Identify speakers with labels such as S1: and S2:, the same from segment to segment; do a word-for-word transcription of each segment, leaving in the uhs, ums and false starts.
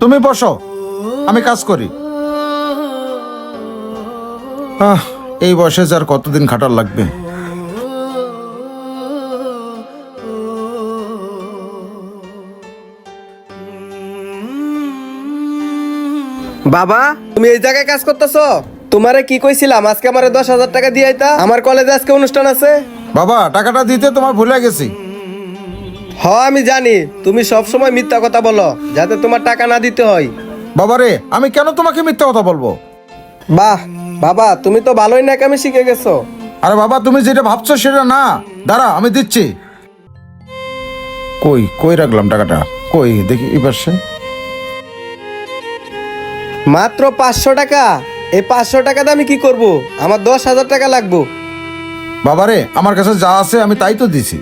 S1: তুমি বসো, আমি কাজ করি। আহ এই বয়সে যার কতদিন খাটার লাগবে।
S2: বাবা, তুমি এই জায়গায় কাজ করতেছো? তোমারে কি কইছিলাম আজকে আমারে দশ হাজার টাকা দিয়ে আইতা, আমার কলেজে আজকে অনুষ্ঠান আছে।
S1: বাবা, টাকাটা দিতে তোমার ভুলে গেছি।
S2: হ আমি জানি, তুমি সব সময় মিথ্যা কথা বলো যাতে তোমার টাকা না দিতে হয়।
S1: বাবারে, আমি কেন তোমাকে মিথ্যা কথা বলবো?
S2: বাহ বাবা, তুমি তো ভালোই নাকামি শিখে গেছো।
S1: আরে বাবা, তুমি যেটা ভাবছো সেটা না। দাঁড়া, আমি দিচ্ছি। কই কই রাখলাম টাকাটা? কই দেখি এই পাশে।
S2: মাত্র পাঁচশো টাকা? এই পাঁচশো টাকাতে আমি কি করব? আমার দশ হাজার টাকা লাগবো।
S1: বাবারে, আমার কাছে যা আছে আমি তাই তো দিছি।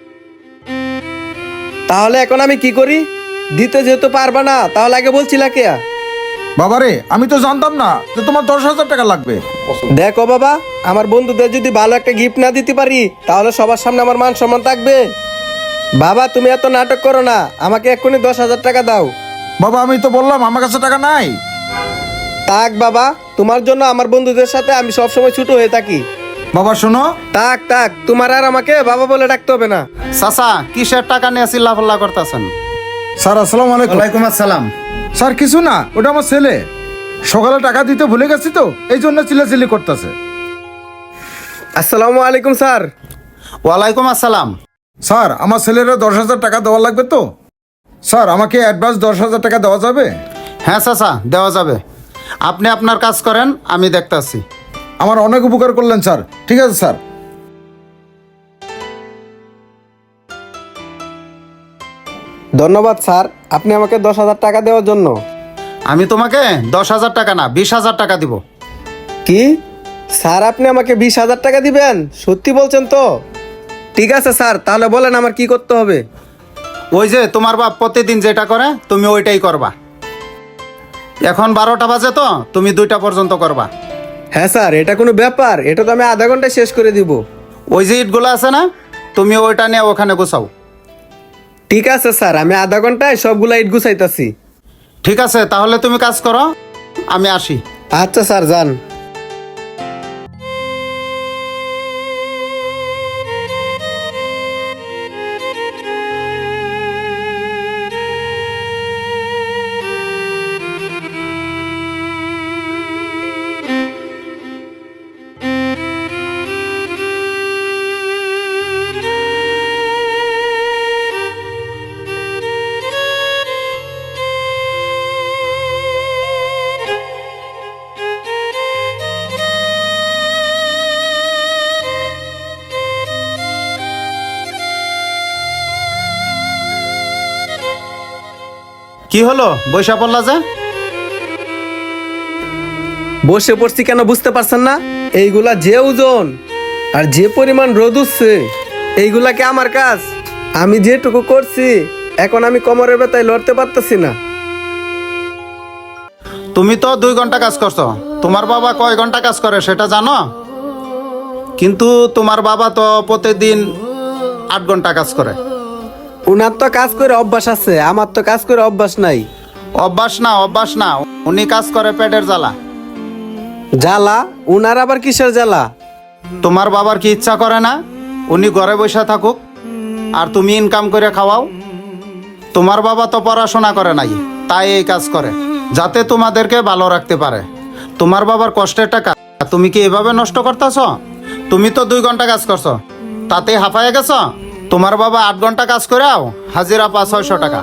S2: তাহলে এখন আমি কি করি? দিতে যেহেতু পারবা না, তাহলে আগে বলছিলা কে?
S1: বাবারে, আমি তো জানতাম না যে তোমার দশ হাজার টাকা লাগবে।
S2: দেখো বাবা, আমার বন্ধুদের যদি ভালো একটা গিফট না দিতে পারি তাহলে সবার সামনে আমার মান সম্মান থাকবে? বাবা তুমি এত নাটক করো না, আমাকে এক্ষুনি দশ হাজার টাকা দাও।
S1: বাবা, আমি তো বললাম আমার কাছে টাকা নাই।
S2: তাক বাবা, তোমার জন্য আমার বন্ধুদের সাথে আমি সবসময় ছোট হয়ে থাকি।
S1: বাবা শোনো।
S2: তাক তাক, তোমার আর আমাকে বাবা বলে ডাকতে হবে না।
S3: চাচা, কিসের টাকা নিয়ে চিল্লাফাল্লা করতেছেন?
S1: স্যার আসসালামু আলাইকুম।
S3: ওয়ালাইকুম আসসালাম।
S1: স্যার কিছু না, ওটা আমার ছেলে সকালে টাকা দিতে ভুলে গেছি তো এই জন্য চিল্লাচিল্লি করতেছে।
S2: আসসালামু আলাইকুম স্যার।
S3: ওয়ালাইকুম আসসালাম।
S1: স্যার, আমার ছেলেরা দশ হাজার টাকা দেওয়া লাগবে তো। স্যার, আমাকে অ্যাডভান্স দশ হাজার টাকা দেওয়া যাবে?
S3: হ্যাঁ চাচা, দেওয়া যাবে। আপনি আপনার কাজ করেন, আমি দেখতাছি।
S1: আমার অনেক উপকার করলেন স্যার। ঠিক আছে স্যার।
S2: ধন্যবাদ স্যার, আপনি আমাকে দশ হাজার টাকা দেওয়ার জন্য।
S3: আমি তোমাকে দশ হাজার টাকা না, বিশ হাজার টাকা দিব।
S2: কি স্যার, আপনি আমাকে বিশ হাজার টাকা দিবেন? সত্যি বলছেন তো? ঠিক আছে স্যার, তাহলে বলেন আমার কি করতে হবে।
S3: ওই যে তোমার বাপ প্রতিদিন যেটা করে তুমি ওইটাই করবা। এখন বারোটা বাজে তো, তুমি দুইটা পর্যন্ত করবা।
S2: হ্যাঁ স্যার, এটা কোনো ব্যাপার? এটা তো আমি আধা ঘন্টায় শেষ করে দিব।
S3: ওই যে ইটগুলো আছে না, তুমি ওইটা নিয়ে ওখানে গুছাও।
S2: ঠিক আছে স্যার, আমি আধা ঘন্টায় সবগুলা ইট গুছাইতাছি।
S3: ঠিক আছে, তাহলে তুমি কাজ করো, আমি আসি।
S2: আচ্ছা স্যার, যান।
S3: কি হলো, বৈশা পড়লা যে?
S2: বসে পড়ছি কেন বুঝতে পারছেন না? এইগুলা যে ওজন আর যে পরিমাণ রোদ উঠছে, এইগুলা কি আমার কাজ? আমি যেটুকু করছি এখন আমি কোমরের ব্যথায় লড়তে পারতেছি না।
S3: তুমি তো দুই ঘন্টা কাজ করছো, তোমার বাবা কয় ঘন্টা কাজ করে সেটা জানো? কিন্তু তোমার বাবা তো প্রতিদিন আট ঘন্টা কাজ করে।
S2: উনার তো কাজ করে অভ্যাস আছে, আমার তো কাজ করে অভ্যাস নাই।
S3: অভ্যাস না, অভ্যাস না, উনি কাজ করে পেটের জ্বালা।
S2: জ্বালা? উনার আবার কিসের জ্বালা?
S3: তোমার বাবার কি ইচ্ছা করে না উনি ঘরে বসে থাকুক আর তুমি ইনকাম করে খাওয়াও? তোমার বাবা তো পড়াশোনা করে নাই, তাই এই কাজ করে যাতে তোমাদেরকে ভালো রাখতে পারে। তোমার বাবার কষ্টের টাকা তুমি কি এভাবে নষ্ট করতেছ? তুমি তো দুই ঘন্টা কাজ করছো, তাতেই হাঁপায়ে গেছ। তোমার বাবা আট ঘন্টা কাজ করেও হাজিরা পাঁচ ছয়শো টাকা।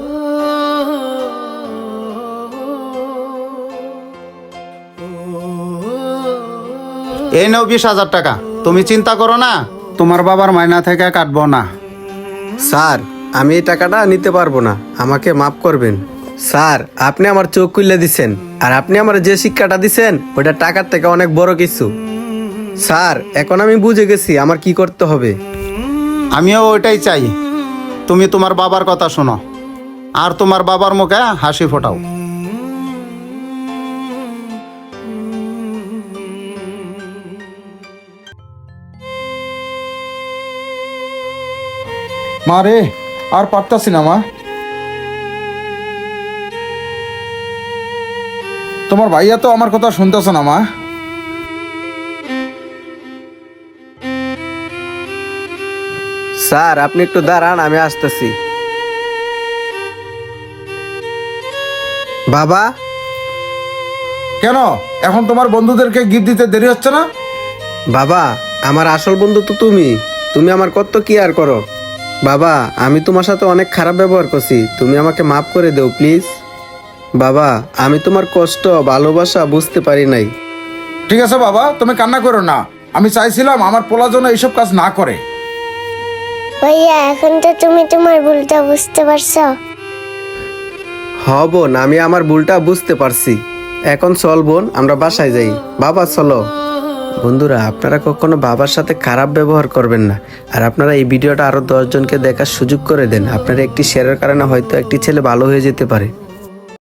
S3: এই নাও বিশ হাজার টাকা, তুমি চিন্তা করো না, তোমার বাবার মাইনা থেকে কাটবো না।
S2: স্যার, আমি এই টাকাটা নিতে পারবো না, আমাকে মাফ করবেন। স্যার, আপনি আমার চোখ খুলে দিছেন, আর আপনি আমার যে শিক্ষাটা দিছেন ওটা টাকার থেকে অনেক বড় কিছু। স্যার, এখন আমি বুঝে গেছি আমার কি করতে হবে।
S3: আমিও ওইটাই চাই, তুমি তোমার বাবার কথা শোনো আর তোমার বাবার মুখে হাসি ফোটাও।
S1: মা রে, আর পারতাছি না মা। তোমার ভাইয়া তো আমার কথা শুনতেছ না মা।
S2: স্যার আপনি একটু দাঁড়ান, আমি আসতেছি। বাবা,
S1: কেন এখন তোমার বন্ধুদেরকে গিফট দিতে দেরি হচ্ছে না?
S2: বাবা আমার আসল বন্ধু তো তুমি তুমি আমার কত কি আর করো। বাবা আমি তোমার সাথে অনেক খারাপ ব্যবহার করছি, তুমি আমাকে মাফ করে দেও প্লিজ। বাবা আমি তোমার কষ্ট ভালোবাসা বুঝতে পারি নাই।
S1: ঠিক আছে বাবা, তুমি কান্না করো না। আমি চাইছিলাম আমার পোলা যেন এইসব কাজ না করে।
S4: ভাইয়া এখন তো তুমি তোমার ভুলটা বুঝতে পারছো।
S2: হ বোন, আমি আমার ভুলটা বুঝতে পারছি। এখন চল বোন, আমরা বাসায় যাই। বাবা চলো। বন্ধুরা আপনারা কখনো বাবার সাথে খারাপ ব্যবহার করবেন না। আর আপনারা এই ভিডিওটা আরো দশ জনকে দেখার সুযোগ করে দেন। আপনারা একটি শেয়ারের কারণে হয়তো একটি ছেলে ভালো হয়ে যেতে পারে।